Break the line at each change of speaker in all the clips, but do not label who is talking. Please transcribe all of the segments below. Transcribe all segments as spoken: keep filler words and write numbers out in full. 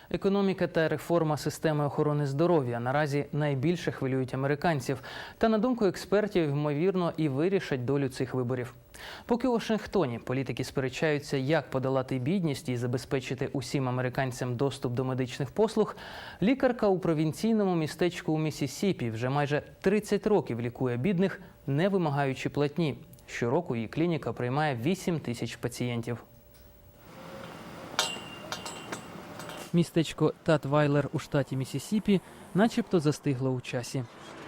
Економіка та реформа системи охорони здоров'я наразі найбільше хвилюють американців. Та, на думку експертів, ймовірно, і вирішать долю цих виборів. Поки у Вашингтоні політики сперечаються, як подолати бідність і забезпечити усім американцям доступ до медичних послуг, лікарка у провінційному містечку у Міссісіпі вже майже тридцять років лікує бідних, не вимагаючи платні. Щороку її клініка приймає вісім тисяч пацієнтів. Містечко Татвайлер у штаті Міссісіпі начебто застигло у часі.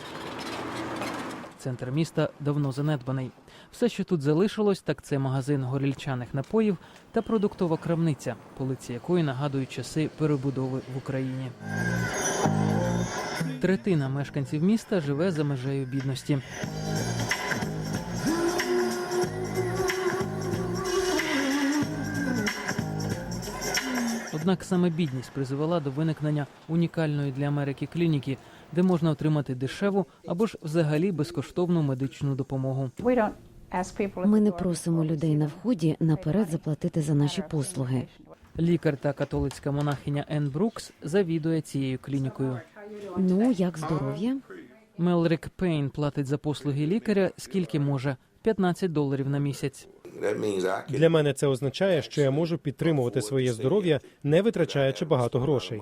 Центр міста давно занедбаний. Все, що тут залишилось, так це магазин горілчаних напоїв та продуктова крамниця, полиці якої нагадують часи перебудови в Україні. Третина мешканців міста живе за межею бідності. Однак саме бідність призвела до виникнення унікальної для Америки клініки, де можна отримати дешеву або ж взагалі безкоштовну медичну допомогу.
Ми не просимо людей на вході наперед заплатити за наші послуги.
Лікар та католицька монахиня Енн Брукс завідує цією клінікою.
Ну, як здоров'я?
Мелрік Пейн платить за послуги лікаря скільки може – п'ятнадцять доларів на місяць.
Для мене це означає, що я можу підтримувати своє здоров'я, не витрачаючи багато грошей.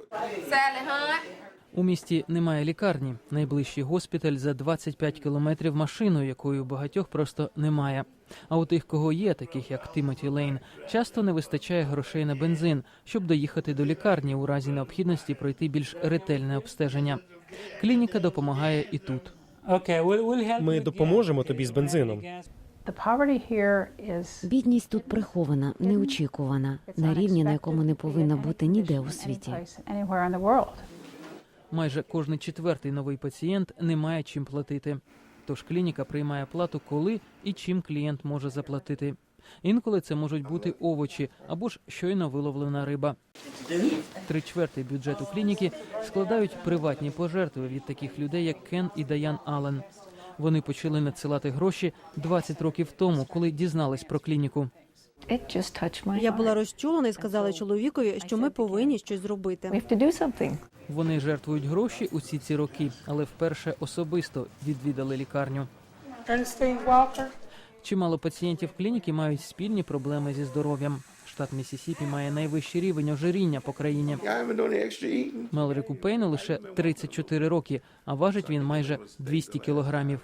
У місті немає лікарні. Найближчий госпіталь за двадцять п'ять кілометрів машиною, якої у багатьох просто немає. А у тих, кого є, таких як Тімоті Лейн, часто не вистачає грошей на бензин, щоб доїхати до лікарні у разі необхідності пройти більш ретельне обстеження. Клініка допомагає і тут.
Ми допоможемо тобі з бензином.
Бідність тут прихована, неочікувана, на рівні, на якому не повинна бути ніде у світі.
Майже кожний четвертий новий пацієнт не має чим платити. Тож клініка приймає плату, коли і чим клієнт може заплатити. Інколи це можуть бути овочі або ж щойно виловлена риба. Три чверти бюджету клініки складають приватні пожертви від таких людей, як Кен і Даян Аллен. Вони почали надсилати гроші двадцять років тому, коли дізнались про клініку.
Я була розчулена і сказала чоловікові, що ми повинні щось зробити.
Вони жертвують гроші усі ці роки, але вперше особисто відвідали лікарню. Чимало пацієнтів клініки мають спільні проблеми зі здоров'ям. Штат Міссісіпі має найвищий рівень ожиріння по країні. Мелріку Пейну лише тридцять чотири роки, а важить він майже двісті кілограмів.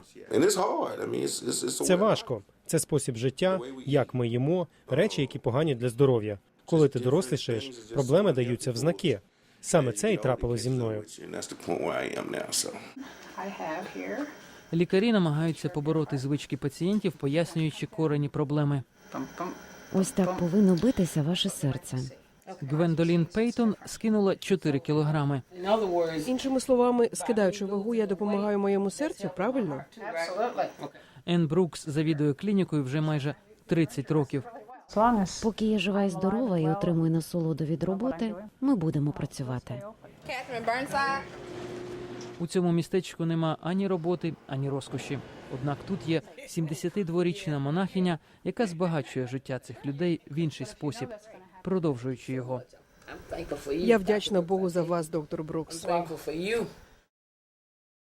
Це важко. Це спосіб життя, як ми їмо, речі, які погані для здоров'я. Коли ти дорослішаєш, проблеми даються в знаки. Саме це і трапило зі мною.
Лікарі намагаються побороти звички пацієнтів, пояснюючи корені проблеми.
Ось так повинно битися ваше серце.
Гвендолін Пейтон скинула чотири кілограми.
Іншими словами, скидаючи вагу, я допомагаю моєму серцю, правильно?
Енн Брукс завідує клінікою вже майже тридцять років.
Поки я жива і здорова і отримую насолоду від роботи, ми будемо працювати.
У цьому містечку нема ані роботи, ані розкоші. Однак тут є сімдесятидворічна монахиня, яка збагачує життя цих людей в інший спосіб, продовжуючи його.
Я вдячна Богу за вас, доктор Брукс.